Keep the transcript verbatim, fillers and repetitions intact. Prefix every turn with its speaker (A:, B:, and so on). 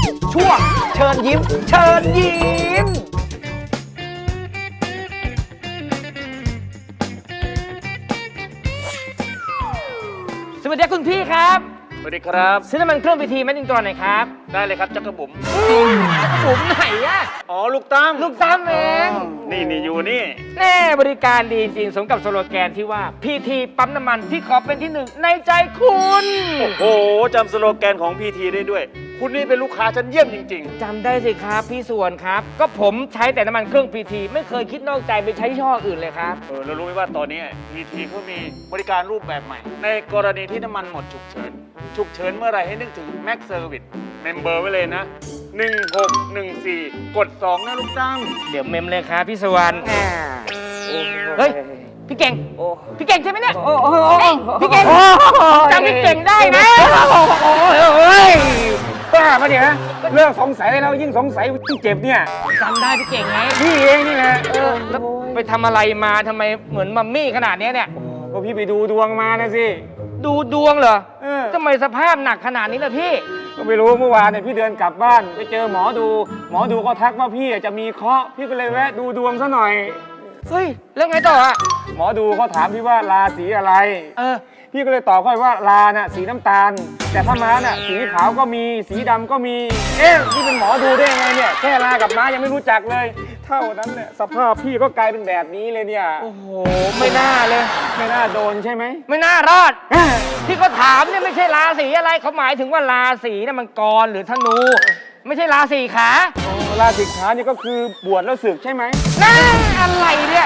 A: ช่วงเชิญยิ้มเชิญยิ้มสวัสดีคุณพี่ครับ
B: สวัสดีครับ
A: ซื้อน้ำมันเครื่องพิธีแมดดิงตัวหน่อยครับ
B: ได้เลยครับจักรบุ๋ม
A: จักรบุ๋มไหนอะ
B: อ๋อลูกตั้ม
A: ลูกตั้มเอง
B: นี่นี่อยู่นี่
A: แน่บริการดีจริงสมกับสโลแกนที่ว่าพีทีปั๊มน้ำมันที่ขอเป็นที่หนึ่งในใจคุณ
B: โอ้โหจำสโลแกนของพีทีได้ด้วยคุณนี่เป็นลูกค้าชั้นเยี่ยมจริง
A: ๆจำได้สิครับพี่ส่วนครับก็ผมใช้แต่น้ำมันเครื่องพีทีไม่เคยคิดนอกใจไปใช้ยี่ห้ออื่นเลยครับ
B: เออเรารู้ไหมว่าตอนนี้พีทีเขามีบริการรูปแบบใหม่ในกรณีที่น้ำมันหมดฉุกเฉินฉุกเฉินเมื่อไรให้นึกถึงแม็กเซอร์วิสเมมเบอร์ไว้เลยนะหนึ่งหกหนึ่งสี่กดสองนะลูกตั้ม
A: เดี๋ยวเมมเลยครับพี่สวรรค์เฮ้ยพี่เก่งพี่เก่งใช่ไหมเนี่ยพี่เก่งจำพี่เก่งได้นะ
C: โอ้ยบ้ามาเดี๋ยวนะเรื่องสงสัยแล้วยิ่งสงสัยยิ่งเจ็บเนี่ย
A: จำได้พี่เก่งไง
C: พี่เองนี่แหละ
A: เออแล้วไปทำอะไรมาทำไมเหมือนมัมมี่ขนาดนี้เนี่ย
C: ก็พี่ไปดูดวงมานะสิ
A: ดูดวงเหรอทำไมสภาพหนักขนาดนี้ล่ะพี่
C: ก็ไม่รู้เมื่อวานเนี่ยพี่เดินกลับบ้านไปเจอหมอดูหมอดูก็ทักว่าพี่จะมีเคราะห์พี่ก็เลยแวะดูดวงซะหน่อย
A: เฮ้ยแล้วไงต่ออะ
C: หมอดูเขาถามพี่ว่าราศีอะไร
A: เออ
C: พี่ก็เลยตอบเขาว่าราน่ะสีน้ำตาลแต่ถ้าม้าน่ะสีขาวก็มีสีดำก็มีเอ๊ะพี่เป็นหมอดูได้ยังไงเนี่ยแค่รากับม้ายังไม่รู้จักเลยเท่านั้นเนี่ยสภาพพี่ก็กลายเป็นแบบนี้เลยเนี่ย
A: โอ้โหไม่น่าเลย
C: ไม่น่าโดนใช่ไหม
A: ไม่น่ารอดที่เขาถามเนี่ยไม่ใช่ราศีอะไรเขาหมายถึงว่าราศีน่ะมันกรหรือธนูไม่ใช่ราศีขา
C: ราศีขานี่ก็คือบวชแล้วศึกใช่ไหม
A: น่าอะไรเนี่ย